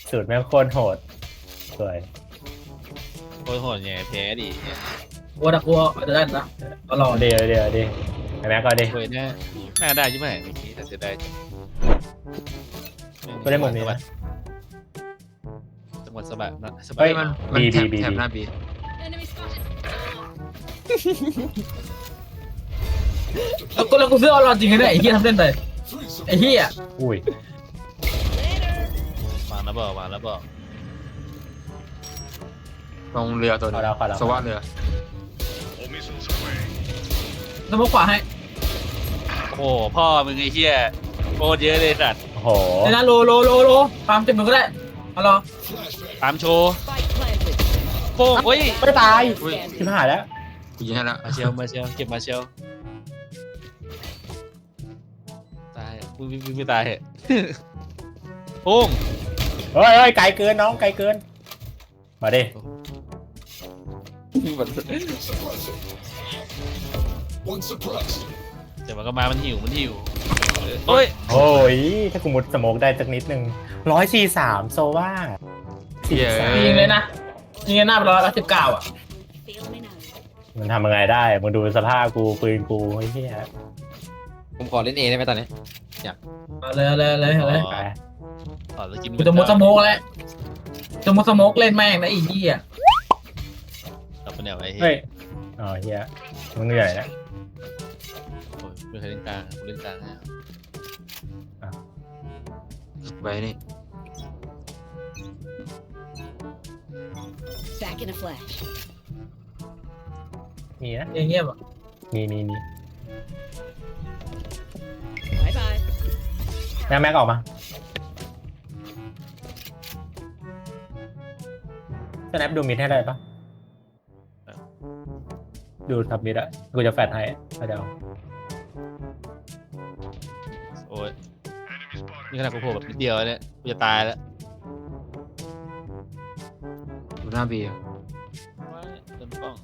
สูตรแม่งโคตรโหดสวยโคตรโหดไงแพ้ดิกลัวอาจจะได้นะก็รอเดี๋ยวไอ้แม็กก็ดิเว้ยน่าได้ใช่ไหมเมื่อกี้แต่เสียดายจังก็ได้หมดนี้นะจังหวัดสะบัดนะสะบัเฮ้ดยมันมันบีแถบบีแถบหน้าบี Enemy spotted. แล้วกูซื้อออนไลน์จริงเลยไอ้เหี้ยทำเล่นไปไอ้เหี้ยอุ้ยวางแล้วบอกวางแล้วบอกลงเรือตัวขนึอง เราสวัสดเรือแล้วมาขวาให้โอ้โหพ่อมึงไอ้เหี้ยโคตรเยอะเลยสัตว์โอ้โหเดี๋ยวนะโลตามเต็มมือก็ได้เอารอตามโชว์ Spike planted. โป้งเฮ้ยไม่ตายอุ้ยชิบหายแล้วกูยิงให้แล้วมาเชลเก็บมาเชลตายมึงไม่ตายเหรอโป้งเฮ้ยไกลเกินน้องไกลเกินมาดิเดี๋ยวมันก็มามันหิวเฮ้ยโอ้ยถ้ากูมุดสโมกได้สักนิดนึง143โซว่ายิงเลยนะยิงหน้าไป119อ่ะ Feel me now. มันทำยังไงได้มึงดูสภาพกูปืนกูไอ้เหี้ยผมขอเล่นเอได้ไหมตอนนี้เอาเลยไปต่อสกินกูจะมุดสโมกแล้วจะมุดสโมกเล่นแม่งนะไอ้เหี้ยตับเป็นแนวไอ้เฮ้เฮ้ยยอ๋อเหี้ยมึงเหนื่อยนะไม่เคยเล่นกลางกูเล่นกลางนะไว้นี่ Back in a flash. มีนะเงียบอ่ะมี Bye bye. แม็กออกมาสแนปดูมิดให้ได้ปะดูทับมิดอะกูจะแฟดให้เดี๋ยวโอ้ยนี่ขนาดกูโผล่แบบนิดเดียวเนี่ยกูจะตายแล้วดูหน้าบีอะเต็มกล้อง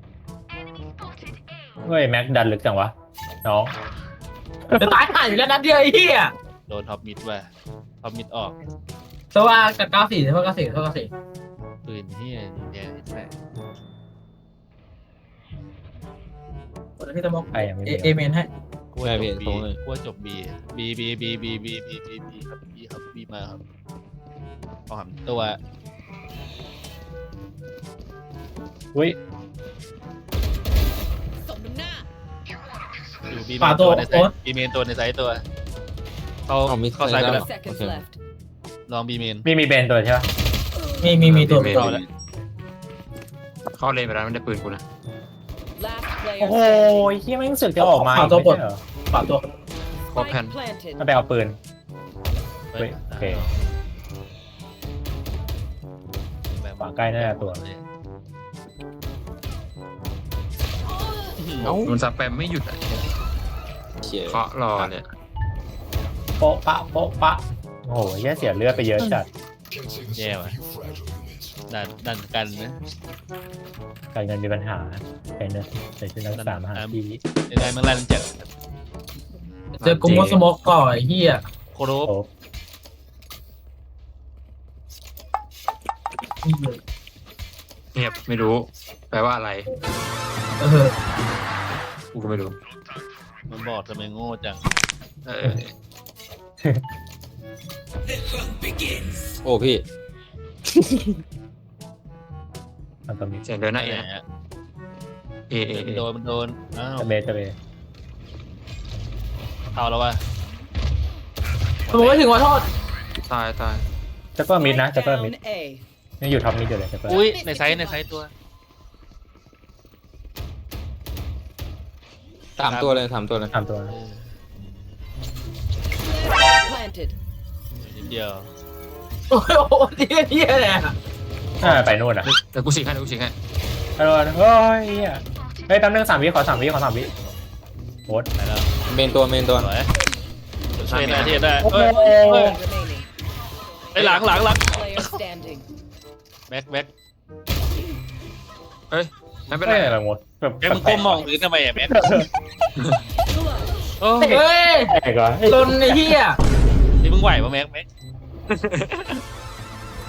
เฮ้ยแม็กดันลึกจังวะน้องจะตายห่าอยู่แล้วนัดเดียวไอ้เหี้ยโดนท็อปมิดว่ะท็อปมิดออกแต่ว่ากับ94แต่ว่า94 ปืนเฮียแย่ใช่คนที่สโมกใครยังไม่มีเอเมนให้กลัวจบบีกลัวจบบีครับบีมาครับเอาหันตัวอุ้ยสมน้ำหน้าอยู่บีเมนตัวในไซต์บีเมนตัวในไซต์ตัวเข้าไซต์ไปแล้ว Seconds left. ลองบีเมนมีเบนตัวใช่ปะมีตัวรอแล้วเข้าเลนไปแล้วไม่ได้ปืนกูนะ Last player โอ้โห standing. เฮียแม่งรู้สึกจะออกมาขวาตัวบนไม่ใช่เหรอขวาตัวครบแผ่น Spike planted. มันไปเอาปืน เฮ้ยโอเค ขวาใกล้น่าจะตัวเอ้ามันสแปมไม่หยุดอะเชี่ยเคาะรอเนี่ยโปะปะโอ้โหเฮียเสียเลือดไปเยอะจัดแย่ว่ะดันกันนะการเงินมีปัญหาเป็นเนอใส่ชุดนักศึกษามาหาที่ได้เมื่อไรมันจะเจอกูมุดสโมกก่อนไอ้เหี้ยโคโรโอ้เงียบไม่รู้ แปลว่าอะไรเออกูก็ไม่รู้มันบอกทำไมโง่จังเออโอ้พี่มันตัวมีเสียงเดินหน้าเอนะเอมันโดนอ้าวตะเบตะเบเอาแล้ววะสโมกไม่ถึงขอโทษตายจะเปิดมิดนะจะเปิดมิด Down A. นี่อยู่ท็อปมิดอยู่เลยจะเปิดอุ้ยในไซต์ตัวถามตัวเลยทำตัว Planted. นิดเดียวโอ้โหเหี้ยเลยอะไปนู่นอ่ะแต่กูฉีกให้กูฉีกให้ไปนู่นเฮ้ยเฮียเฮ้ยแป๊บนึง3 วิขอ3 วิโคตรไปแล้วเมนตัวสวยช่วยได้ที่ได้โอ้โห Remaining. ไปหลัง Player standing. แบ็คเฮ้ยไม่เป็นไม่ไรอะไรหมดแบบแบ็คมึงก้มมองพื้นทำไมอ่ะแบ็คโอ้เฮ้ยแปลกเหรอลนไอ้เหี้ยนี่มึงไหวป่ะแบ็ค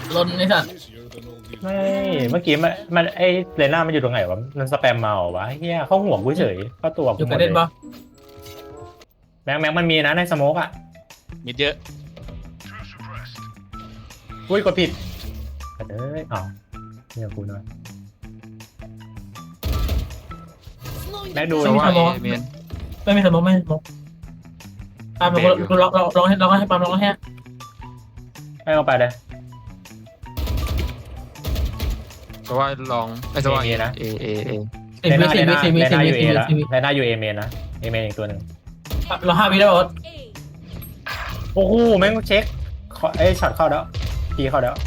ลนไอ้สัตว์ไม่เมื่อกี้มันไอเลน่ามันอยู่ตรงไหนวะมันสแปมมาเหรอวะเฮียเข้าหัวกูเฉยเข้าตัวอกูยู่หมกดระเลเด็นยปะแม็กมันมีนะในสโมกอ่ะมิดเยอะอุ้ยกดผิดเอ้ยอ้าวเนี่ยกูหน่อยแม็กดูสนี่ว่าเมนไม่มีสมองไม่มีสมองปาล์มเราลองให้ปาล์มลองให้ให้เอาไปเลยสว่าลองไอ้สว่าเอนะเอสิบวิสิบวิสิบวิเลสิบน่าวิอยู่เอสิบวิแล้วสิบวิเลน่าอยู่เอเมนนะเอเมนอีกตัวหนึ่งเรา5 วิแล้วโอ้โหแม่งเช็คเอ้ยช็อตเข้าแล้วพีเข้าแล้ว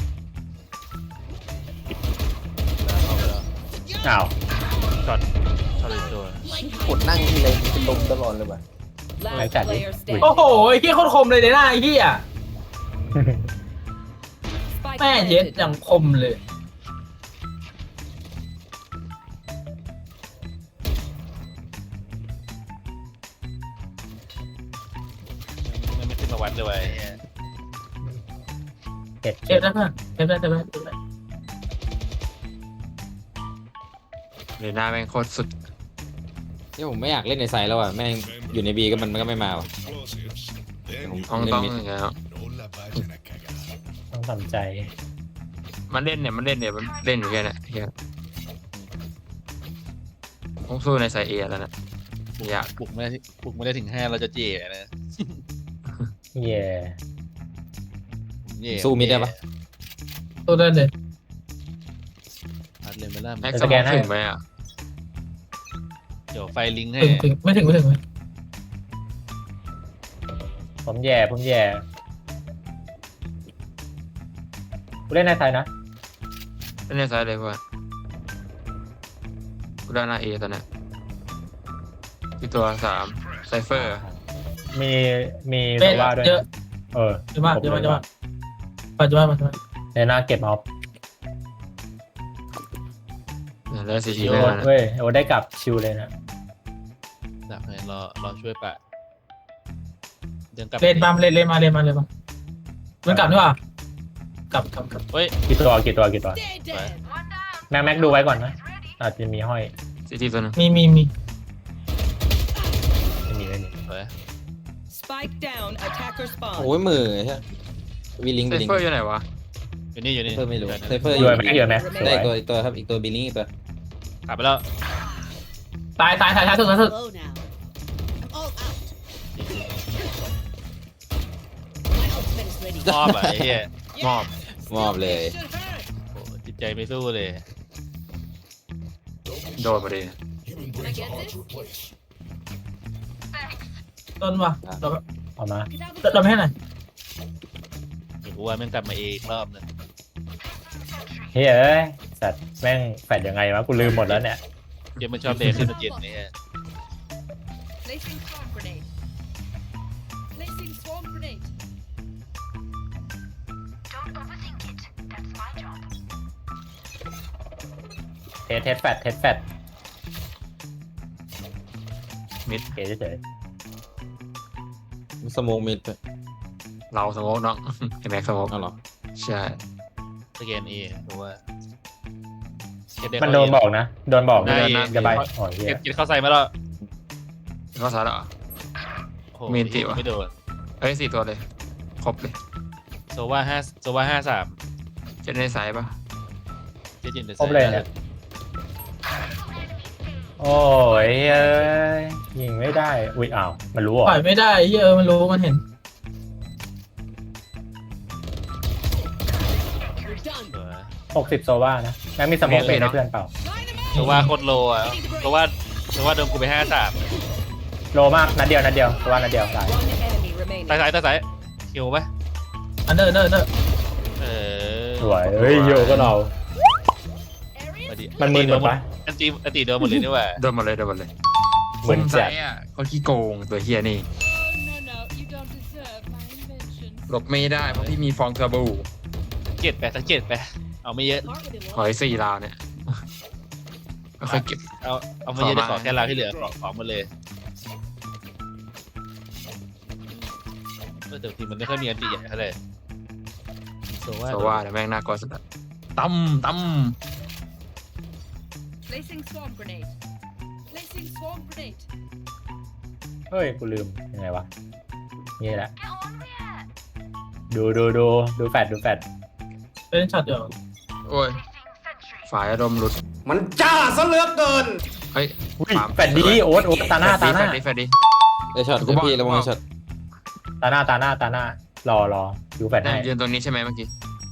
เข้าไปแล้วอ้าวช็อตอีกตัวกดนั่งทีไรมันเป็นลมตลอดเลยว่ะ Last player standing. โอ้โหไอ้เหี้ยโคตรคมเลยเนี่ยหน้าไอ้เหี้ย Spike แม่เย็ด planted. อย่างคมเลยไม่ขึ้นมาวัดเลยว่ะไอ้เหี้ยเจ็ดเก็บได้เพื่อนเก็บได้เลยหน้าแม่งโคตรสุดเนี่ยผมไม่อยากเล่นในไซด์แล้วอ่ะแม่งอยู่ในบีก็มันก็ไม่มาว่ะผมต้องเล่นมิดอย่างเงี้ยต้องทำใจมันเล่นเนี่ยมันเล่นอยู่แค่นั้นเฮียต้องสู้ในสายเอแล้วนะอยากบุกไม่ได้ถึง5เราจะเจ๋นะเย่เย่สู้มิดได้ปะตัวได้เลยอัดเลยไม่ล่าแม็กซ์สมองถึงไหมอ่ะเดี๋ยวไฟลิงก์ให้ถึงไม่ถึงผมแย่กูเล่นในไทยนะเล่นในสายเลยว่ากูได้หน้าเอตอนเนี้ยที่ตัว3ไซเฟอร์มีเป๊ะว่าด้วยเยอะเออเยอะมากปัจจุบันในหน้าเก็บเอาแล้วซีทีโอ้แม่นะเว้ยโอ้ได้กลับชิวเลยนะดักให้รอช่วยปะเดินกลับเล่นมามันกลับด้วยว่ะกลับเฮ้ยกี่ตัวไปแม็กดูไว้ก่อนนะอาจจะมีห้อยซีทีตัวนึงมีไม่มีไป Spike down. Attacker spawn. โอ้ยมือใช่วีลิงไซบีลิงเฟอร์อยู่ไหนวะอยู่นี่เซฟเฟอร์ไม่รู้เซฟเฟอร์อยู่ไหมอยู่ไหมสได้วยอีกตัวครับอีกตัวบีลิงอีกตัวกลับไปแล้วตายสุด Low now. I'm all out. My ultimate is ready. มอบอ่ะไอ้เหี้ยมอบมอบเลยโอ้จิตใจไม่สู้เลยโดนมาดิ Can I get this? ต้นว่ะเอามาเราไม่ให้ไหนเดี๋ยวกูว่าแม่งกลับมาอีกรอบนึงเฮ้ยเอ้ยสัตว์แม่งแฟดยังไงวะกูลืมหมดแล้วเนี่ยเดี๋ยวมันชอบเดย์ขึ้นมาจิตนี่ฮะ Placing swarm grenade. Placing swarm grenade. เทสแฟดมิดเก๋เฉยสโมองมิดไปเราสโมกน้องไอ้แม็กสโมกเอาเหรอใช่สแกนเอเพราะว่ามันโดนบอกนะโดนบอกจะใบอ๋อเฮียเก็บเข้าใส่มาแล้วเข้าซ้ายเหรอโอ้โหมีนติวะไม่โดนเอ้ย4ตัวเลยครบเลยโซว่า53 จะในสายปะเจ๊จินเดครบเลยเนี่ยโอ้ยเอ้ยยิงไม่ได้อุ้ยอ้าวมันรู้เหรอปล่อยไม่ได้มันรู้มันเห็น You're done. 60โซว่านะแม็กมีสโมองเป็นให้เพื่อนเปล่าโซว่าโคตรโลอ่ะโซว่าโดนกูไป53 โลมากนัดเดียวโซว่านัดเดียวตาย One enemy remaining. ใต้สายคิวปะอันเดอร์เออสวยเฮ้ยโยก็เรามาดิมันมึนหมดปะอันตีโดนหมดเลยนี่หว่าโดนหมดเลยเหมือนใจจัดอ่ะเขาขี้โกงตัวเฮียนี่ No, you don't deserve my invention. หลบไม่ได้เพราะพี่มีฟองเทอร์โบสังเกตไปเอาไม่เยอะขอให้4 ราวเนี่ยก็ค่อยเก็บเอาไม่เยอะจะขอแค่ราวที่เหลือขอหมดเลยแต่ทีมันไม่ค่อยมีอันตีใหญ่เท่าไหร่โซว่าโซว่าแต่แม่งน่ากลัวสุดอะตั้ม Placing swarm grenade. Placing swarm grenade. เฮ้ยกูลืมยังไงวะนี่แหละดูแฟดเป็นช็อตเดียวโอ้ยฝ่ายอารมณ์หลุดมันจ้าซะเหลือเกินเฮ้ยอุ้ยแฟดดีโอ๊ตตาหน้าแฟดดีไอช็อตพี่ระวังช็อตตาหน้ารอดูแฟดได้ให้ยืนตรงนี้ใช่ไหมเมื่อกี้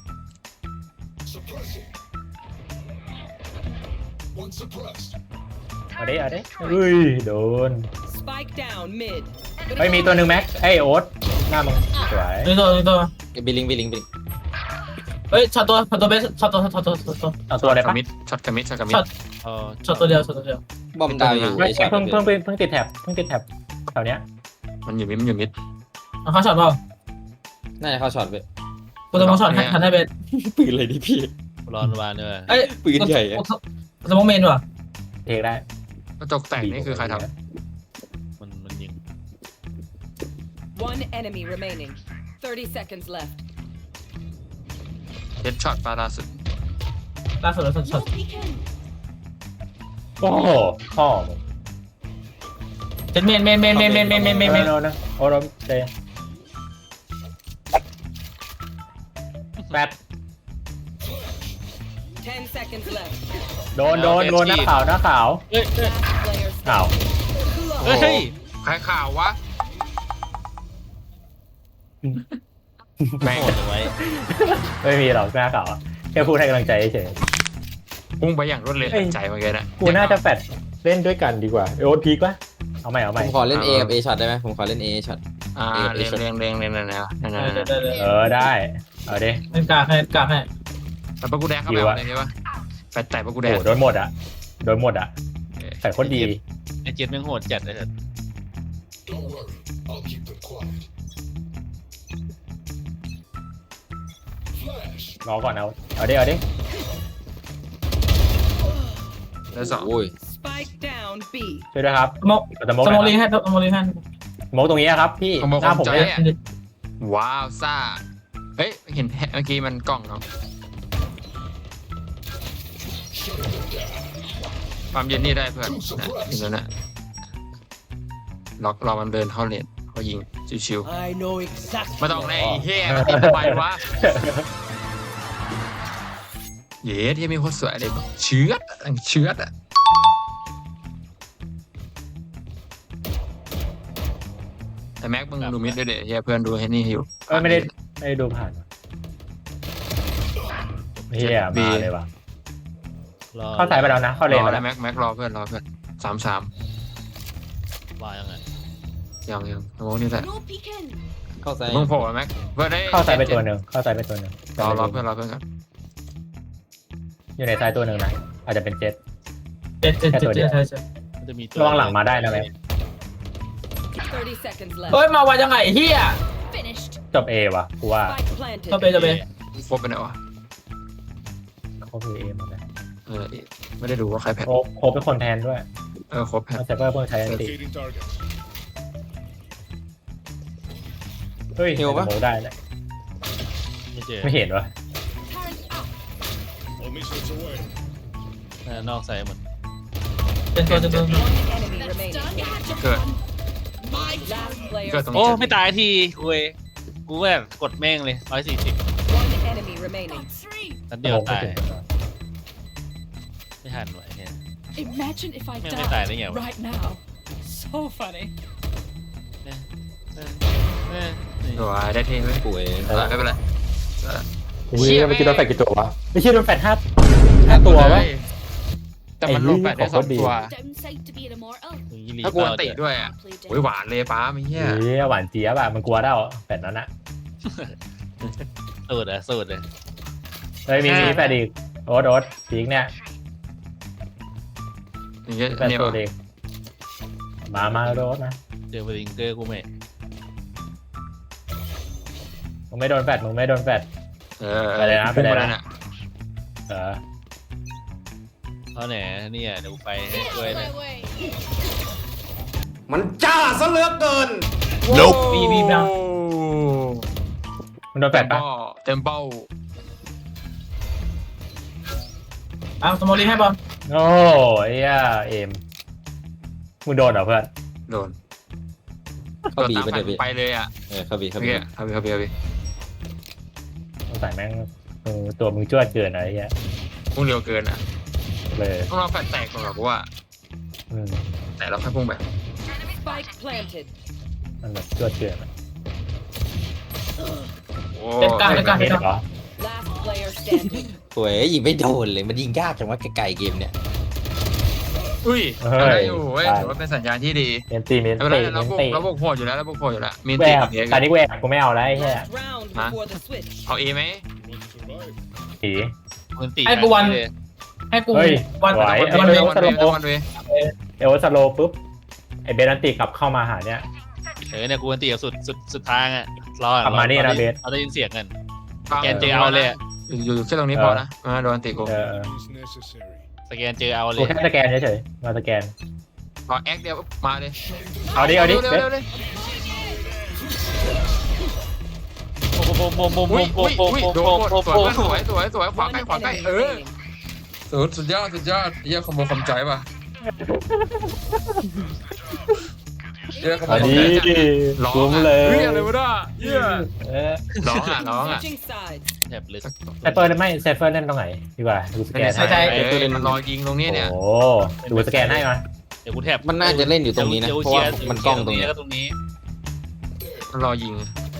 เอาดิอุ้ยโดน Spike down mid. ไม่มีตัวหนึ่งแม็กไอ้โอ๊ตหน้ามึงสวยนี่ตัวบิลิงเฮ้ยช็อตตัวเบสช็อตตัวเอาตัวอะไรปะช็อตกระมิดช็อตตัวเดียวบอมดาวอยู่ไม่ไอช็อตเพิ่งติดแท็บแถวเนี้ยมันอยู่มิดเขาช็อตเปล่าน่าจะเข้าช็อตไปกูจะมองช็อตทันได้เบสปืนเลยดิพี่รอนวานเนี่ยเอ้ยปืนใหญ่อะสมองเมนว่ะเทได้กระจกแตกนี่คือใครทมันยิง One enemy remaining. 30 seconds left. ำเฮดช็อตปาล่าสุดล่าสุดช็อตโอ้โหพ่อมึงเจ็ดเมนไม่โดนนะโอ๊ตเจแฟด 10 seconds left. โดนหน้าขาว Last player อ้าวเฮ้ยใครข่าววะแม่งโหดไว้ไม่มีหรอกหน้าขาวแค่พูดให้กำลังใจเฉยพุ่งไปอย่างรวดเร็วทันใจเมื่อกี้นะกูน่าจะแฟดเล่นด้วยกันดีกว่าโอ๊ตพีกวะเอาใหม่ผมขอเล่น A กับ A ช็อตได้ไหมผมขอเล่น A ช็อตเรียงนั่นได้เอาดิเล่นกากให้แล้วปะกูแดงเข้าไปอะไรใช่ปะแปดแต่ปะกูแดงโอ้โดนหมดอ่ะใส่โคตรดีไอเจ็ดแม่งโหดจัดเลยเถอะรอก่อนเอาดิแล้วสองโอ้ย Spike down B. ช่วยด้วยครับสมองลิงให้สโมกตรงนี้ครับพี่หน้าผมเนี่ยว้าวซ่าเฮ้ยเห็นเมื่อกี้มันกล้องเนาะความเย็นนี่ได้เพื่อนถึงแล้วนะล็อกรอมันเดินเข้าเลนเขายิงชิว I know exactly. ๆไม่ต้องแน่เฮียมันติดทำไมวะเย้ที่มีโคตรสวยเลยเชื้ออ่ะแต่แม็กมึงดูมิดด้วยเดี๋ยวเฮียเพื่อนดูให้นี่อยู่ไม่ได้ดูผ่านเฮียมาเลยว่ะเข้าสายไปแล้วนะเข้าเลนรอแล้แล้ว วแม็กรอเพื่อน3 ว่ายังไงยังสมองนี่แหละ No peeking. เข้าใจมึงโผล่แม็กเพื่อนได้เข้าสายไปตัวหนึ่งรอเพื่อนกันอยู่ในสายตัวหนึ่งนะอาจจะเป็นเจ็ตเจ็ดใช่มันจะมีตัวระวังหลังมาได้นะแม่ 30 seconds left. เฮ้ยมาวันยังไงเฮีย Finished. จบเอว่ะกูว่า Spike planted. จะไปครบไปไหนวะเขาคือเอหมดเลยไม่ได้ดูว่าใครแพ้โคเป็นคนแทนด้วยครบแพ้มาเซฟเวอร์เพิ่งใช้อันติเฮ้ยโมได้เลยไม่เจอไม่เห็นวะ Turret out. นอกใส่หมดเป็นตัว One enemy That's remaining. done. You had your เกิด fun. Last player. เกิดตรงโอ้นี้ไม่ตายทีกูแบบกดแม่งเลย140 One enemy remaining. นัดเดียวตายไม่ทันไหวเนี่ย Imagine if I แม่งไม่ตายได้ไงวะ right now. So funny. ตัวได้เท่ไหมป่วยไม่เป็นไรเชี่ยเมื่อกี้โดนแฟดกี่ตัววะไม่ใช่โดนแฟดห้าตัววะแต่มันลงแปดได้2 ตัว Downside to being immortal. ถ้ากวนติด้วยอ่ะ Play dead. โอ้ยหวานเลยป้าไม่เหี้ยเฮ้ยหวานเจี๊ยบอะมันกลัวได้แฟดนั้นอะสูตรเลยเฮ้ยมีแฟดอีกโอ๊ตพีกเนี่ยอย่างเงี้ยแฟดเนี่ยตัวเด็กมาโดนนะเจอเบลิงเกอร์กูไม่มึงไม่โดนแฟดพุ่งมาแล้วน่ะเออเขาแหนเนี่ยเดี๋ยวไปให้ช่วยนะมันจ้าซะเหลือเกินบีมันโดนแฟดปะเต็มเป้าสมอลลี่ให้บอลโอ้ยเอ็มมึงโดนเหรอเพื่อนโดนเข้าบีตามไปเดี๋ยวบีไปเลยอ่ะเข้าบีเข้าเมื่อบีกี้เข้าไปสงสัยแม่งตัวมึงจ้วดเกินอะไรเงี้ยพุ่งเร็วเกินอ่ะเลยต้องรอแฟลชแตกก่อนหรอกว่าอืมแต่เราแค่พุ่งไป Spike planted. มันแบบจ้วดเกินอะโอ้เล่นกลางไม่เหรอ Last player standing. โอ้ยยิงไม่โดนเลยมันยิงยากจังว่าไกลๆเกมเนี่ยอุ้ยเฮ้ยได้อยู่เว้ยถือว่าเป็นสัญญาณที่ดีเมนตีเมนไม่เป็นไรตีเมเรานบุกตีเราบุกโหดอยู่แล้วเราบุกโหดอยู่แล้วมีแหวตีกกับเอ็กตอนนี้แหวกกูไม่เอาแล้วไอ้เหี้ย Last round before the switch. เอาเอไหมผีมึงตีให้กูวันเลยให้กูเฮ้ยวันไหววันเอ้เวย งวันเววันเวเอวสโลปุ๊บไอเบนันติกลับเข้ามาหาเนี่ยเนี่ยกูวันตีกับสุดทางอ่ะรอกลับมานี่นะเบสเราได้ยินเสียงกันสแกนเจอเอาเลยอะอยู่แค่ตรงนี้พอนะโดนตีกูสแกนเจอเอาเลกูยแค่สแกนเฉยๆมาสแกนพอแอคเดียวมาเลยเอาดิเร็วเบสเร็วเลยโอ้โหโอ้โหโอ้โหอุ้ยโอ้อุ้ยโหอุ้ยโอ้โดโหนโอ้โหสวยขวา One ใกล้ขวาใกล้ enemy remaining. สุดยอดเยี่ยคอมโบคอมใจป่ะเยี่ยคอมโบอันคอมนี้ใจร้องคุ้มอ่ะเลยเฮ้ยอะไรวะเนี่ยเยี่ยเออร้องอ่ะ Switching sides. แถบเลยไซเฟอร์ไม่ไซเฟอร์เล่นตรงไหนดีกว่าดูสแกนให้มันรอยิงตรงนี้เนี่ยโอ้ดูสแกนให้มาเดี๋ยวกูแถบมันน่าจะเล่นอยู่ตรงนี้นะเพราะว่ามันกล้องตรงนี้แล้วก็ตรงนี้มันรอยิง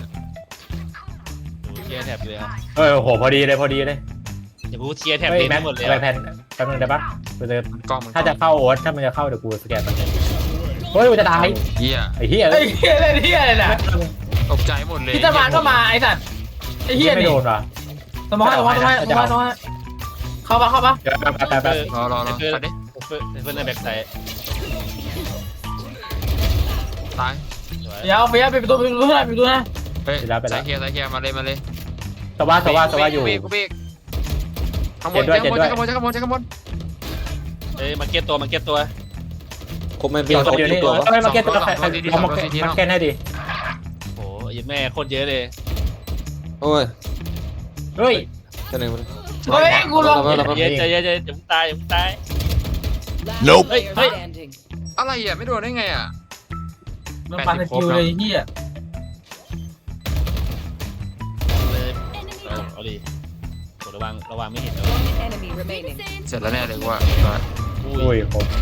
เชียร์แถบเลยอ่ะเออโหพอดีเลยเดี๋ยวกูเชียร์แถบเฮ้ยเลนแม็ทั้กงหมดเลยไปแพนแป๊บนึงได้ปะกูจะกล้องมันถ้าจะเข้าโอ๊ตถ้ามันจะเข้าเดี๋ยวกูสแกนมันเฮ้ยกูจะตายเยี่ยไอ้เหี้ยไอ้เหี้ยอะไรเนี่ยอะไรน่ะตกใจหมดเลยพิจารณาก็มาไอ้สัตว์ไอ้เหี้ยไม่นี่โดนว่ะสมอลเข้าปะเดี๋ยวแป๊บรอไปดิเพื่อนในแบ็คไซด์ตายเดี๋ยวไปปิดประตูนะเฮ้ยสายเคลียร์มาเลยสว่าอยู่กูเบรกข้างบนเอ้ยมาเก็ตตัวครบไม่เกี่ยวกับเดี๋ยวนี้ตัวไม่มาเก็ตตัวมาเก็ตให้ดีโอ้ยแม่โคตรเยอะเลยโอ้ยเฮ้ยเท่าไหร่เฮ้ยกูลงเยอะอย่าตาย Last Nope. player Hey. standing. อะไรอ่ะไม่โดนได้ไงอ่ะมันปันสกิลเลยเหี้ยเอาดิระวังไม่เห็น One enemy remaining. เสร็จแล้วแน่เลยว่าอุ้ยครบ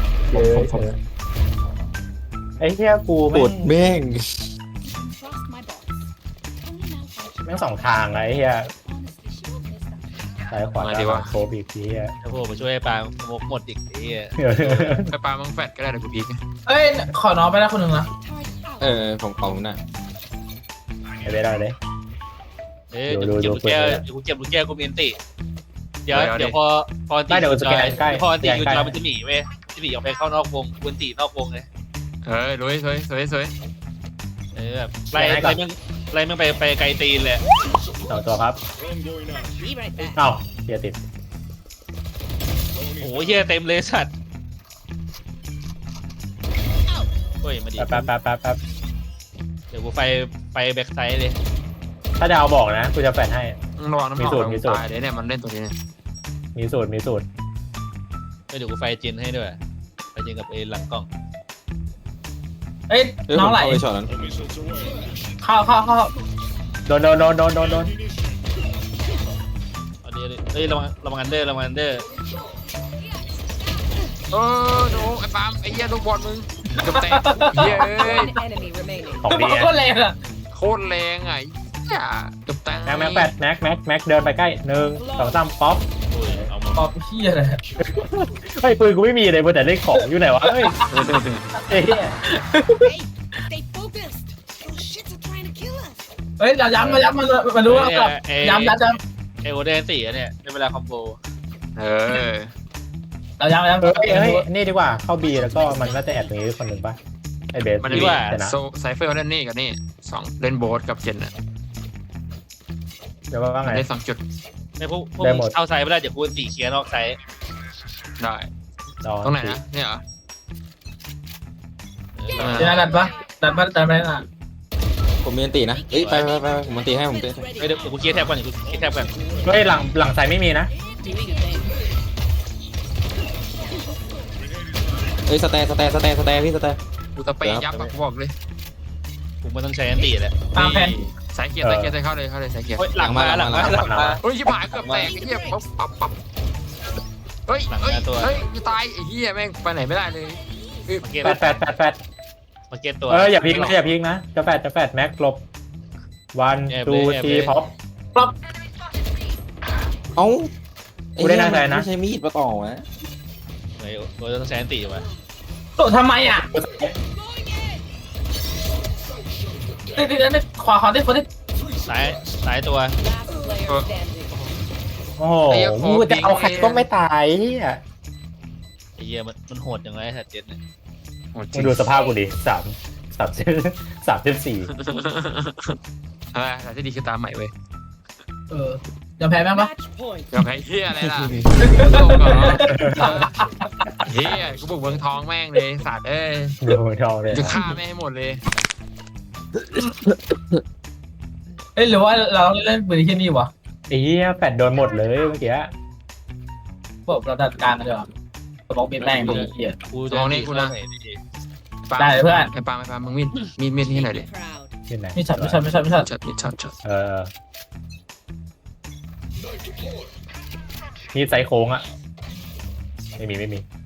ไอ้เหี้ยกูปวดแม่ง Trust my boss. Only malfunction. แม่งสองทางไอ้เหี้ย Honestly, she won't miss that. ซ้ายขวาโคบีทีเหี้ยโอ้โหมาช่วยปลาหมดอีกทีอ่ะไปปามังแฟดก็ได้เดี๋ยวกูพีกเอ้ยขอน้องไปแล้วคนหนึ่งนะ Turret out. ผมเอาหน้าไอ้เบสได้เลยเอ้ยเดี๋ยวกูเก็บลูกแก้วกูมีอันติเดี๋ยวพอตีอยู่จอยมันจะหนีเว้ยจะหนีออกไปเข้านอกวงกูอันตินอกวงเลยลุยสวยแบบไล่มึงไปไกลตีนเลยสองตัวครับ Be right back. เอ้าเหี้ยติดโอ้โหเฮียเต็มเลยสัตว์เฮ้ยมาดิแป๊บเดี๋ยวกูไปแบ็คไซด์เลยถ้าจะเอาบอกนะกูจะแฟนให้ระวังน้ำหอมตายเลยเนี่ยมันเล่นตัวนี้มีสูตรเดี๋ยวกูไฟจินให้ด้วยไฟจินกับเอหลังกล้องเอ้ยน้องไหลไปช็อตนั้นเข้าโดนเอาดิเฮ้ยระวังอันเดอร์ดูไอ้ปามไอ้เหี้ยลูกบอลมึงกับแตกเย้ One enemy remaining. ของดีโคตรแรงอ่ะโคตรแรงไงกับแตกแม็กเดินไปใกล้1 2 3ป๊อปโอ้ยเอามาขอบเหี้ยเลยเฮ้ยปืนกูไม่มีเลยแต่เล่นของอยู่ไหนวะเฮ้ยเฮ้ย Hey, stay focused. Those shits are trying to kill us. เฮ้ยย้ำมันรู้ว่าย้ำเอโอเดนสี่เนี่ยในเวลาคอมโบย้ำเฮ้ยนี่ดีกว่าเข้าบีแล้วก็มันน่าจะแอบตรงนี้คนหนึ่งป่ะไอเบสมันมีโซไซเฟอร์เล่นนี่กับนี่2เล่นโบ๊ทกับเจนน่ะเดี๋ยวว่าไงได้2จุดไม่พวกเข้าไซด์ไม่ได้เดี๋ยวกูตีเคลียร์นอกไซด์ได้ตรงไหนนะเนี่ยเหรอเดี๋ยวดันไปอ่ะผมมีอันตีนะเอ้ยไปผมอันตีให้ผมเต้เดี๋ยวกูเคลียร์แท็บก่อนเฮ้ยหลังไซไม่มีนะ Doing a thing. เอ้ยสแตร์พี่สแตร์กูตะเปย์ยับอะกูบอกเลยกูไม่ต้องใช้อันตีแหละตามแผนสายเกียร์ใส่เข้าเลยสายเกียร์เฮ้ยหลังมาเฮ้ยชิบหายเกือบแตกไอ้เหี้ยปั๊บเฮ้ยจะตายไอ้เหี้ยแม่งไปไหนไม่ได้เลยมาเก็ตแฟดมาเก็ตตัวอย่าพลิกนะจะแฟดแม็กลบวันทูทีพ็อปเอ้ากูได้น่าใจนะไม่ใช่มีดมาต่อวะเฮ้ยกูต้องใช้อันตีวะโดดทำไมอ่ะนี่ขวาที่คนที่ซ้ายตัว Last player standing. โอ้โหมึงจะเอาใครก็ไม่ตายเฮียไอ้เหี้ยมันโหดจังไงสัตว์เจ็ดเนี่ยมึงดูสภาพกูดิ34 อะไรแต่ที่ดีคือตามใหม่เว้ยยอมแพ้แม่งปะ Match point. ยอมแพ้เหี้ยอะไรล่ะเหี้ยกูบุกเมืองทองแม่งเลยสัตว์เอ้ยดูทองเลยจะฆ่าแม่งให้หมดเลยหรือว่าเราเล่นปืนที่นี่วะไอ้เหี้ยแฟดโดนหมดเลยเมื่อกี้บอกเราจัดการกันดีกว่าสมองเป็นแม่งดีเหี้ยกูจะตีกูนะได้เลยเพื่อนไอ้ปามึงมีดที่ไหนดิ Proud. ที่ไหนไม่ชัดช็อตนี่ไซโค้งอ่ะไม่มี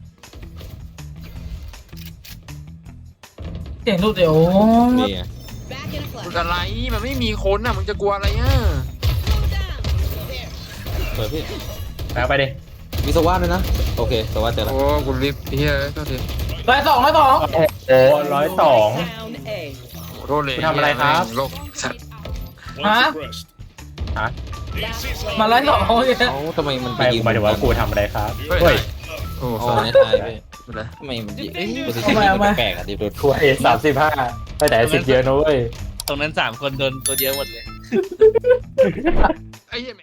เสียงรูดเดี๋ยวนี่ไง Back in a มึง flash. อะไรมันไม่มีคนอ่ะมึงจะกลัวอะไรอ่ะ Slow down. There. เปิดพี่แล้วไปดิมีสวัสดด้วยนะโอเคสวัสดเจอแล้วโอ้กูรีบเฮียก็ทีร้อยสองโอ้ 102 Down A. โทษเลยทำอะไรครับโลกสัตว์ฮะ Last player มาร้อยสองเขาเนี่ยเอ้าทำไมมันไปกูหมายถึงว่ากูทำอะไรครับเฮ้เฮ้ยยโอ้อ๋โหอในตายพี่อะไรทำไมมันยิงโพสิชันนี้มันแปลกอ่ะดิโดนกู35ไปแต่10เยอะนะเว้ยตรงนั้น3 คนโดนตัวเดียวหมดเลยไอ้เหี้ย